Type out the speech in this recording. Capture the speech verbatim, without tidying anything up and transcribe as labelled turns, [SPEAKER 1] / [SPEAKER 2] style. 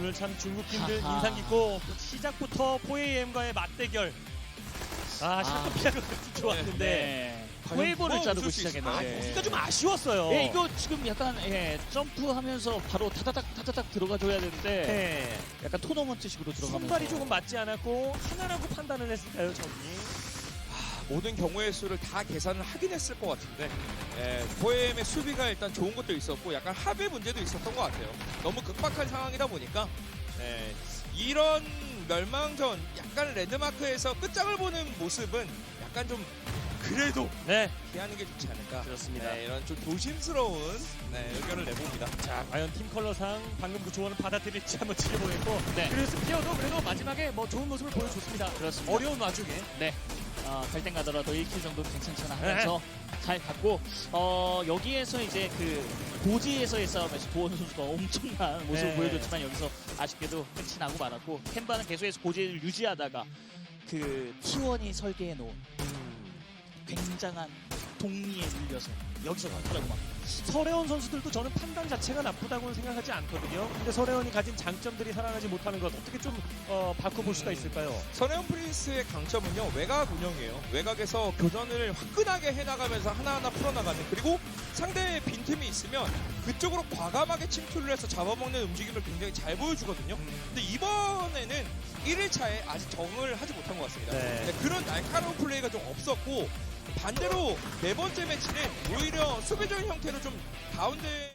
[SPEAKER 1] 오늘 참 중국 팀들
[SPEAKER 2] 하하.
[SPEAKER 1] 인상 깊고 시작부터 포에이엠과의 맞대결. 아, 샤크 피아가 그렇게 좋았는데
[SPEAKER 2] 네.
[SPEAKER 3] 과연
[SPEAKER 2] 웨이브를
[SPEAKER 3] 누가
[SPEAKER 2] 자르고
[SPEAKER 3] 웃을 수
[SPEAKER 2] 시작했는데.
[SPEAKER 1] 아, 여기가 좀 아쉬웠어요.
[SPEAKER 2] 예, 이거 지금 약간 예, 점프하면서 바로 타다닥 타다닥 들어가줘야 되는데
[SPEAKER 1] 네.
[SPEAKER 2] 약간 토너먼트식으로 들어가면서
[SPEAKER 1] 손발이 조금 맞지 않았고 하나라고 판단을 했을까요, 저기?
[SPEAKER 3] 모든 경우의 수를 다 계산을 하긴 했을 것 같은데 예, 포엠의 수비가 일단 좋은 것도 있었고 약간 합의 문제도 있었던 것 같아요. 너무 급박한 상황이다 보니까 예, 이런 멸망전 약간 레드마크에서 끝장을 보는 모습은 약간 좀 그래도
[SPEAKER 1] 네.
[SPEAKER 3] 피하는 게 좋지 않을까.
[SPEAKER 1] 그렇습니다.
[SPEAKER 3] 네, 이런 좀 조심스러운 네, 의견을 내봅니다.
[SPEAKER 1] 자, 과연 팀 컬러상 방금 그 조언을 받아들일지 한번 지켜보겠고.
[SPEAKER 2] 네.
[SPEAKER 1] 그리고 스피어도 그래도 마지막에 뭐 좋은 모습을 보여줬습니다.
[SPEAKER 2] 그렇습니다.
[SPEAKER 1] 어려운 와중에.
[SPEAKER 2] 네. 어, 갈등 가더라도 일 킬 정도는 괜찮잖아 하면서 잘 갔고 어, 여기에서 이제 그 고지에서의 싸움에서 도원 선수가 엄청난 모습을
[SPEAKER 1] 네.
[SPEAKER 2] 보여줬지만 여기서 아쉽게도 끝이 나고 말았고 캔바는 계속해서 고지를 유지하다가 그 티원이 설계해 놓은 굉장한 동리에 밀려서 여기서 가더라고 막.
[SPEAKER 1] 서래원 선수들도 저는 판단 자체가 나쁘다고는 생각하지 않거든요. 근데 서래원이 가진 장점들이 살아나지 못하는 것 어떻게 좀 어, 바꿔볼 수가 있을까요?
[SPEAKER 3] 선혜원 프린스의 강점은요 외곽 운영이에요. 외곽에서 교전을 화끈하게 해나가면서 하나하나 풀어나가는, 그리고 상대의 빈틈이 있으면 그쪽으로 과감하게 침투를 해서 잡아먹는 움직임을 굉장히 잘 보여주거든요. 근데 이번에는 일 일차에 아직 적응을 하지 못한 것 같습니다.
[SPEAKER 1] 네.
[SPEAKER 3] 네, 그런 날카로운 플레이가 좀 없었고 반대로 네 번째 매치는 오히려 수비적인 형태로 좀 가운데